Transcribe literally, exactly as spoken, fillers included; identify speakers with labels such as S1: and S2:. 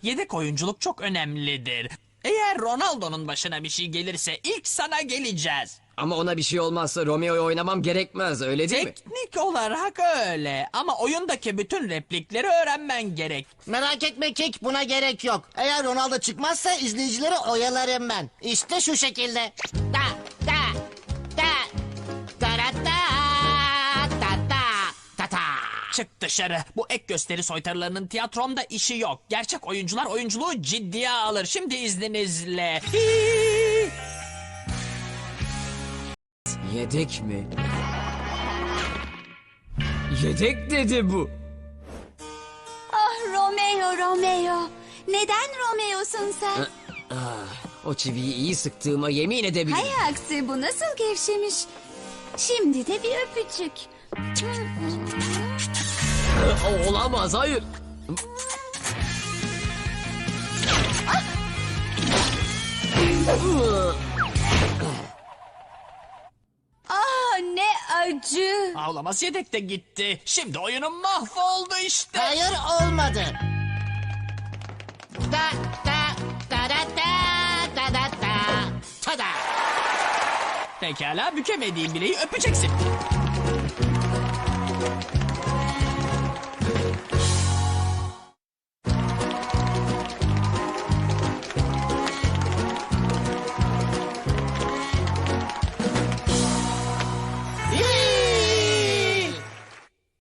S1: Yedek oyunculuk çok önemlidir. Eğer Ronaldo'nun başına bir şey gelirse ilk sana geleceğiz.
S2: Ama ona bir şey olmazsa Romeo'yu oynamam gerekmez, öyle değil mi?
S1: Teknik olarak öyle ama oyundaki bütün replikleri öğrenmen gerek.
S3: Merak etme Kik, buna gerek yok. Eğer Ronaldo çıkmazsa izleyicileri oyalarım ben. İşte şu şekilde. Da da da da da da da da da da.
S1: Çık dışarı. Bu ek gösteri soytarılarının tiyatromda işi yok. Gerçek oyuncular oyunculuğu ciddiye alır. Şimdi izninizle. Hii!
S2: Yedek mi? Yedek dedi bu.
S4: Ah Romeo, Romeo. Neden Romeo'sun sen?
S2: Ah, o çiviyi iyi sıktığıma yemin edebilirim.
S4: Hay aksi, bu nasıl gevşemiş. Şimdi de bir öpücük.
S2: O- Olamaz, hayır.
S4: Ah ne acı.
S1: Ağlamaz yedek de gitti. Şimdi oyunum mahvoldu işte.
S3: Hayır, olmadı. Da da da da da da da da. Tada.
S1: Pekala, bükemediğim bileği öpeceksin.